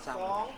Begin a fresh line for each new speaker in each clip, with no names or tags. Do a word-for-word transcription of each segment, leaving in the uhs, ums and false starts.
ศร้า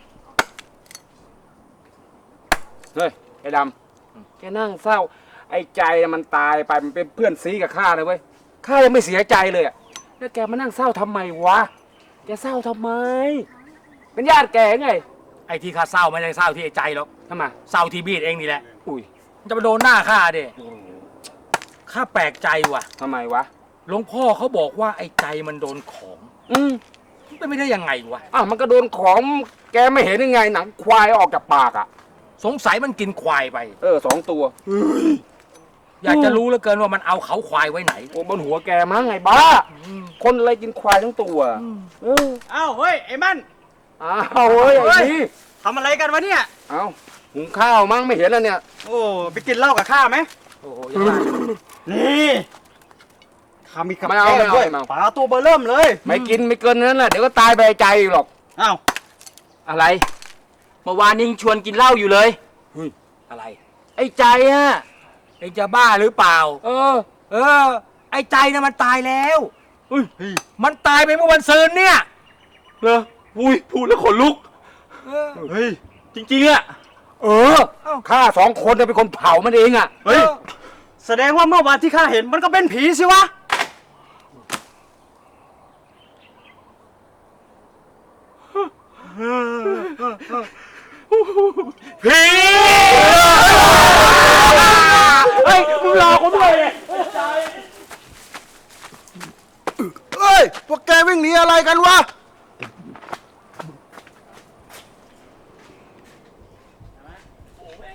เฮ้ยไอ้ดำแกนั่งเศร้าไอ้ใจมันตายไปมันเป็นเพื่อนซีกับข้าเลยเว้ยข้ายังไม่เสียใจเลยอะแล้วแกมานั่งเศร้าทำไมวะแกเศร้าทำไมเป็นญาติแกไง
ไอ้ที่ข้าเศร้าไม่ใช่เศร้าที่ไอ้ใจหรอก
ทำไม
เศร้าที่บีดเองนี่แหละ
อุ้ย
มันจะมาโดนหน้าข้าดิข้าแปลกใจว่ะ
ทำไมวะ
หลวงพ่อเขาบอกว่าไอ้ใจมันโดนของ
อืม
เป็นไม่ได้ยังไงวะ
อ้าวมันก็โดนของแกไม่เห็นยังไงหนังควายออกจากปากอ่ะ
สงสัยมันกินควายไป
เออสองตัว
อยากจะรู้เหลือเกินว่ามันเอาเขาควายไว้ไหน
โอ้บนหัวแกมั้งไงบ้าคนอะไรกินควายทั้งตัว
เอออ้าวเฮ้ยไอ้มัน
อ้าวเฮ้ยไอ้นี่
ทำอะไรกันวะเนี่ย
อ้าวหุงข้าวมั้งไม่เห็นแล้วเนี่ย
โอ้ไปกินเหล้ากับข้าไหม
โอ้โห
นี่ข้ามีกับ
แก้มด้วย
ปลาตัวเบอร์เริ่มเลย
ไม่กินไม่เกินนั้นแหละเดี๋ยวก็ตายไปใจหรอก
อ้าว
อะไรเมื่อวานนี้ชวนกินเหล้าอยู่เลย
เฮ้ย
อะไรไอ้ใจอะไอ้จะบ้าหรือเปล่า
เออ
เออไอ้ใจน่ะมันตายแล้วเฮ้ยมันตายไปเมื่อวันซืนเนี่ย
เหรออุ้ยพูดแล้วขนลุก
เฮ้ย
จริงๆอะเออข้าสองคนเป็นคนเผามันเองอะ
เฮ้ยแสดงว่าเมื่อวานที่ข้าเห็นมันก็เป็นผีสิวะ
ผีเฮ้ยมึงรอกูด้วยเลย
เฮ้ยพวกแกวิ่งหนีอะไรกันวะ